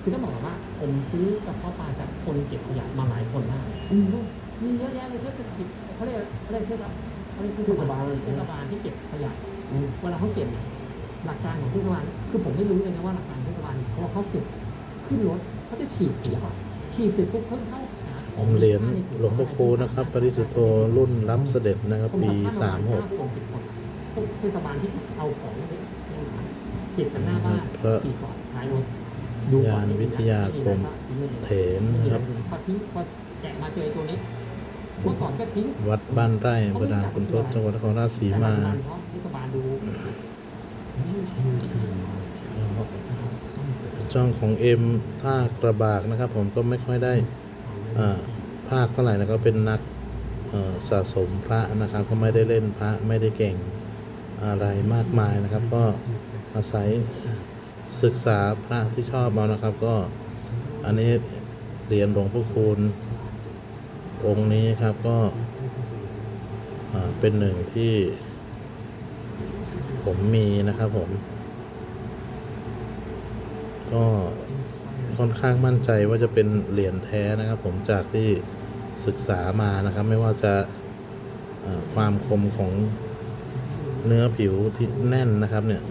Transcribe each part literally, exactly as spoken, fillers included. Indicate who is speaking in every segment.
Speaker 1: คือต้องบอกว่าผมซื้อกระเพาะปลาจากคนเก็บขยะมาหลายคนมากมีเยอะแยะเลยเทศกิจเขาเรียกเขาเรียกเทศเขาเรียกเทศบาลเทศบาลที่เก็บขยะเวลาเขาเก็บเนี่ยหลักการของเทศบาลคือผมไม่รู้เลยนะว่าหลักการเทศบาลเขาเขาเก็บขึ้นรถเขาจะฉีดขยะฉีดเสร็จปุ๊บเพิ่งเข้า
Speaker 2: เหรียญหลวงพ่อคูนะครับปริสุทโธรุ่นรับเสด็จนะครับปีสามหก
Speaker 1: เทศบาลที่เอาของเก็บจากหน้าบ้านฉีดก่อนท้ายรถ
Speaker 2: ยานวิทยาคมเถนนะครับ
Speaker 1: พอทิ้งพอแกะมาเจอตัวนี้เมื่อก่อนก็ทิ้ง
Speaker 2: วัดบ้านไร่อำเภอด่านขุนทดจังหวัดนครราชสีมาช่องของเอ็มท่ากระบากนะครับผมก็ไม่ค่อยได้ภาคเท่าไหร่นะก็เป็นนักสะสมพระนะครับก็ไม่ได้เล่นพระไม่ได้เก่งอะไรมากมายนะครับก็อาศัยศึกษาพระที่ชอบมานะครับก็อันนี้เหรียญหลวงพ่อคูณองค์นี้ครับก็เป็นหนึ่งที่ผมมีนะครับผมก็ค่อนข้างมั่นใจว่าจะเป็นเหรียญแท้นะครับผมจากที่ศึกษามานะครับไม่ว่าจะความคมของเนื้อผิวที่แน่นนะครับเนี่ย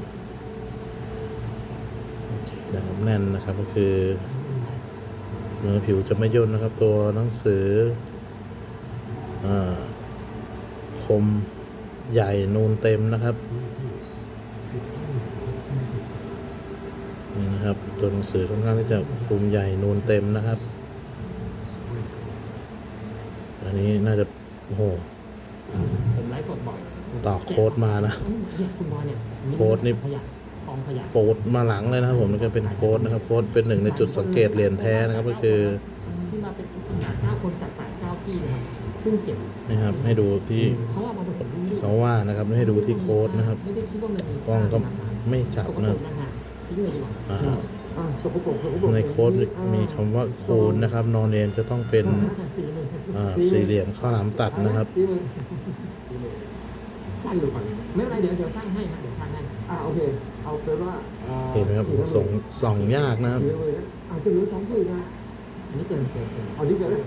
Speaker 2: นะครับแน่นนะครับก็คือเนื้อผิวจะไม่ย่นนะครับตัวหนังสือคมใหญ่นูนเต็มนะครับนี่นะครับตัวหนังสือค่อนข้างที่จะคมใหญ่นูนเต็มนะครับอันนี้น่าจะโอ้โห
Speaker 1: ผมไลฟ์สดบ่อย
Speaker 2: ต่อโค้ดมานะโค้ดนี่โปรดมาหลังเลยนะครับผมนี่ก็เป็นโค้ดนะครับโค้ดเป็นหนึ่งในจุดสังเกตเหรียญแท้นะครับก็คือ
Speaker 1: ที่มาเป็นเก้าคนจากแปดเก้าที่นะครับซึ่งเก็บ
Speaker 2: นะครับให้ดูที่เขาว่านะครับให้ดูที่โค้ดนะครับกล้องก็ไม่จับนะในโค้ดมีคำว่าคูณนะครับนอนเรียนจะต้องเป็นสี่เหลี่ยมข้าวหลามตัดนะครับ
Speaker 1: ช่างดูก่อนไม่เป็นไรเดี๋ยวเดี๋ยวช่างให้ครับเดี๋ยวช่างให้อ่าโอเคเอาเป็นว่า
Speaker 2: เห็นไหมครับส่งส่องยากนะครับ
Speaker 1: อาจจะเหลือสองคืนนะอันนี้เกินเกินอันนี้เกิน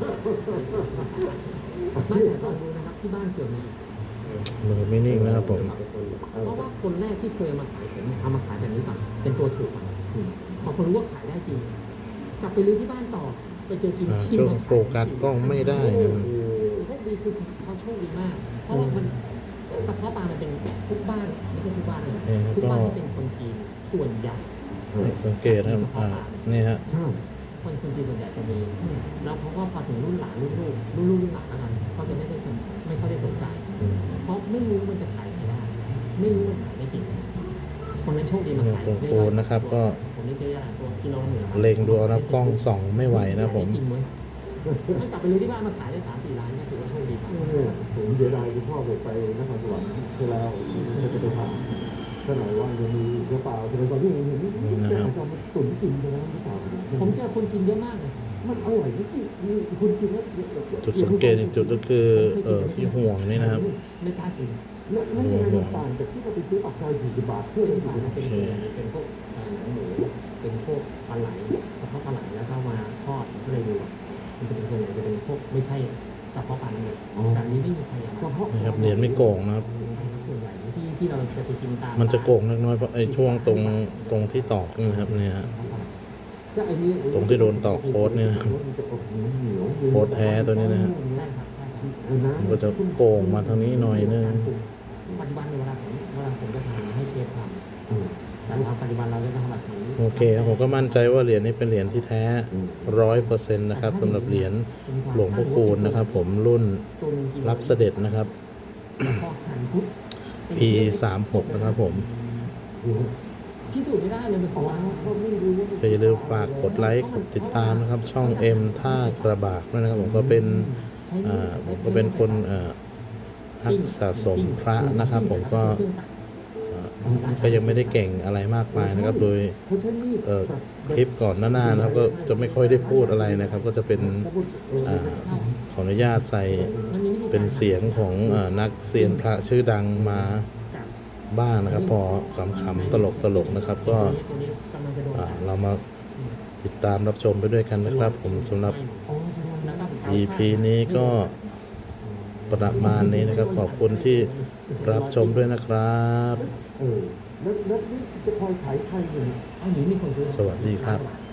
Speaker 1: ไม่แต่ตอนดูนะครับที่บ้านเกิดเนี่ย
Speaker 2: มือไม่นิ่งนะครับผม
Speaker 1: เพราะว่าคนแรกที่เคยมาขายผมเอามาขายแบบนี้ก่อนเป็นตัวถูกพอคนรู้ว่าขายได้จริงกลับไปรื้อที่บ้านต่อไปเจอกินชิม
Speaker 2: ช่วงโฟกัสกล้องไม่ได้นะ
Speaker 1: โชคดีคือเขาโชคดีมากเพราะว่ามันกระเพาะปลามันเป็นทุกบ้านไม่ใช่ทุกบ้านเลยทุกบ้านที่เป็นคนจีนส่วนใหญ่
Speaker 2: สังเกตนะครับอ่านี่ฮะ
Speaker 1: คนคนจีนส่วนใหญ่จะมีแล้วเขาก็พอถึงรุ่นหลานรุ่นลูกรุ่นลูกรุ่นหลานแล้วกันเขาจะไม่ได้ไม่ค่อยได้สนใจเพราะไม่รู้มันจะขายไม่ได้ไม่รู้มันขายไม่จริงคนนั้นโชคดีมาขาย
Speaker 2: ตรงโคนนะครับก็
Speaker 1: ผมนี่เจอตัวกิโลหนึ่ง
Speaker 2: เล็งดูนะกล้องส่องไม่ไหวนะผม
Speaker 1: ถ้ากลับไปรู้ที่บ้านมาขายได้สามสี่ล้านก็ถือว่าโชคดี
Speaker 3: ผมเสียดายคุณพ่อไปนครสวรรค์เวลาจะไปทำก็หน่อยว่าจะมีกระเป๋าจะไปตอนที่ผมเห็นนี่จะเอามาตุ๋นกินกันแล้วหรือเปล่า
Speaker 1: ผมเจอคนกินเยอะมากเลย
Speaker 3: มันอร่อยที่มีคนกินแล้ว
Speaker 2: จุดสังเกตอีกจุดก็คือเอ่อที่ห่วงนี่นะครับ
Speaker 1: ไม่กล้ากิน
Speaker 3: แล้วนั่นยังไงมันต่างจากที่เราไปซื้อปากซอยสี่สิบบาทเพื่อที่จะ
Speaker 1: เป็นเป็นพวกหนังหมูเป็นพวกปลาไหลกระเพาะปลาไหลแล้วก็มาทอดก็เลยดูมันจะเป็นส่วนใหญ่จะเป็นพวกไม่ใช่กระเพาะปลาเลยแต่นี้ไม่มีใคร
Speaker 2: กระเพาะนะครับเหรียญไม่โกงนะครับ
Speaker 1: ส่วนใหญ่ที่ที่เราจะไปกินตาม
Speaker 2: มันจะโกงน้อยเพราะไอ้ช่วงตรงตรงที่ตอกนี่ครับเนี่ยตรงที่โดนตอกโค้ดเนี่ยโค้ดแท้ตัวนี้นะฮะมันก็จะโกงมาทางนี้หน่อยนึง
Speaker 1: ปัจจุบันเวลาผมเวลาผมจะทำให้เชฟทำแต่ปัจจุบันเราจะทำแบบนี้
Speaker 2: โอเคครับผมก็มั่นใจว่าเหรียญนี้เป็นเหรียญที่แท้ร้อยเปอร์เซ็นต์นะครับสำหรับเหรียญหลวงพ่อคูณนะครับผมรุ่นรับเสด็จนะครับปีสามหกนะครับผม
Speaker 1: พิสูจน์ไม่ได้เลยมันของ
Speaker 2: อย่าลืมฝากกดไลค์กดติดตามนะครับช่องเอ็มท่ากระบากนะครับผมก็เป็นอ่าผมก็เป็นคนอ่านักสะสมพระนะครับผมก็ก็ยังไม่ได้เก่งอะไรมากมายนะครับโดยคลิปก่อนหน้าๆนะครับก็จะไม่ค่อยได้พูดอะไรนะครับก็จะเป็นอขออนุญาตใส่เป็นเสียงของนักเซียนพระชื่อดังมาบ้างนะครับพอขำๆตลกๆนะครับก็เรามาติดตามรับชมไปด้วยกันนะครับผมสำหรับ
Speaker 3: อ๋อใช่ไหม
Speaker 1: แล้วก็
Speaker 2: อี พี นี้ก็ประมาณนี้นะครับ ขอบคุณที่รับชมด้วยนะครับ
Speaker 3: เออแล้วแล้วนี่จะคอยขายใครเนี่ย
Speaker 1: เอาหนีมีคนซื้อ
Speaker 2: สวัสดีครับ
Speaker 1: บ